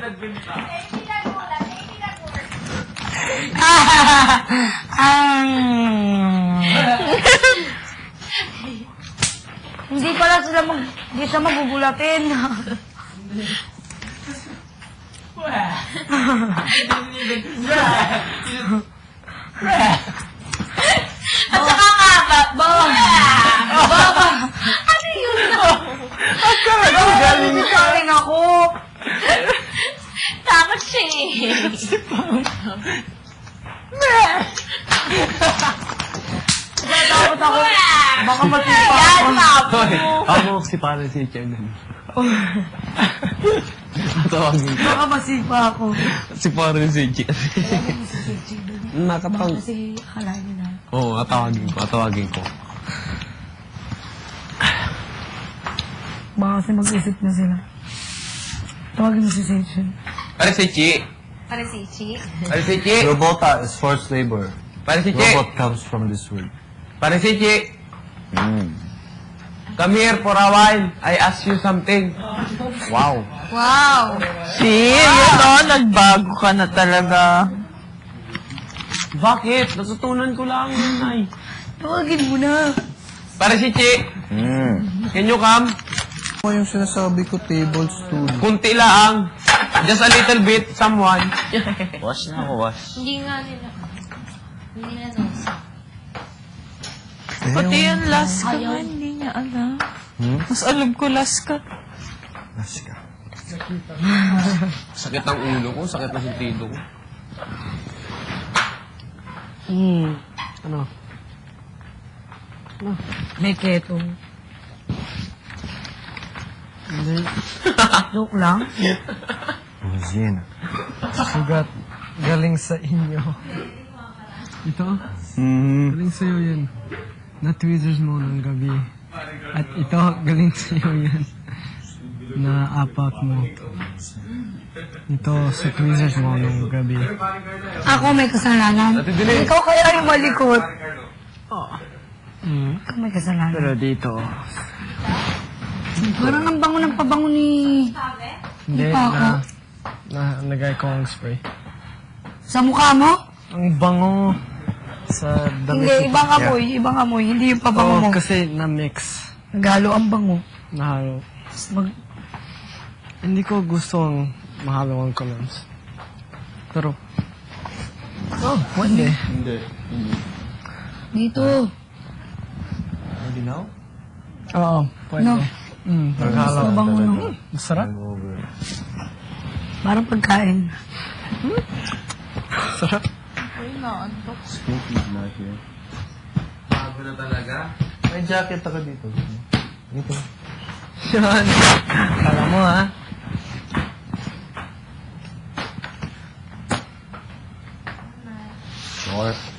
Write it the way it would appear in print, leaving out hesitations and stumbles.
Hindi pala sila hindi siya magugulatin. At saka nga, Baba! Ano yun? Galing sa akin ako. Takot siya eh. Takot ako. Baka matipa Yan, ako. Papo. Ako si pare si Chairman. Tawagin ko. Baka masipa ako. Si pare si Chairman. Nakatawag. Kasi akala niyo na. Oo, atawagin ko. Baka kasi mag-isip na sila. Tawagin mo si Seichen. Pare si Chi. Para si Chi. Pare si Chi. Robota is forced labor. Pare si Chi. Robot comes from this word. Pare si Chi. Come here for a while. I ask you something. Wow. Wow! Nagbago ka na talaga. Bakit? Natutunan ko lang yun, Nay. Tawagin mo na. Pare si Chi. Can you come? Ano yung sinasabi ko, tablespoon? Kunti lang. Just a little bit, someone. Wash na ako, wash. Hindi nga nila. Hindi na nasa. Pati yung last ka nga, hindi niya alam. Mas alam ko last ka. Wash ka. Sakit ang ulo ko, sakit ang sentido ko. Ano? May keto. Hindi. Joke lang. Yan. Sugat. Galing sa inyo. Ito? Galing sa'yo yan. Na-tweezers mo ng gabi. At ito, galing sa'yo yan. Na-apak mo. Ito, sa tweezers mo ng gabi. Ako may kasalanan. Ikaw kaya yung malikot. Ikaw may kasalanan. Pero dito, Parang ang bango ng pabango ni... hindi Paco. na nagay ko ang spray. Sa mukha mo? Ang bango sa damit. Hindi, ibang amoy. Ibang amoy. Hindi yung pabango mo. Kasi na-mix. Naghalo ang bango. Nahalo. Mag... Hindi ko gusto ang mahalo ang colognes. Pero, pwede. Hindi. Dito. Ready now? Oo, pwede. No. Naghalo. Mabango no. Masarap. Over. Parang pagkain. Sarap. Scoop is not here. Bago na talaga. May jacket ako dito. Dito. Yan. Kala mo ha. Sure.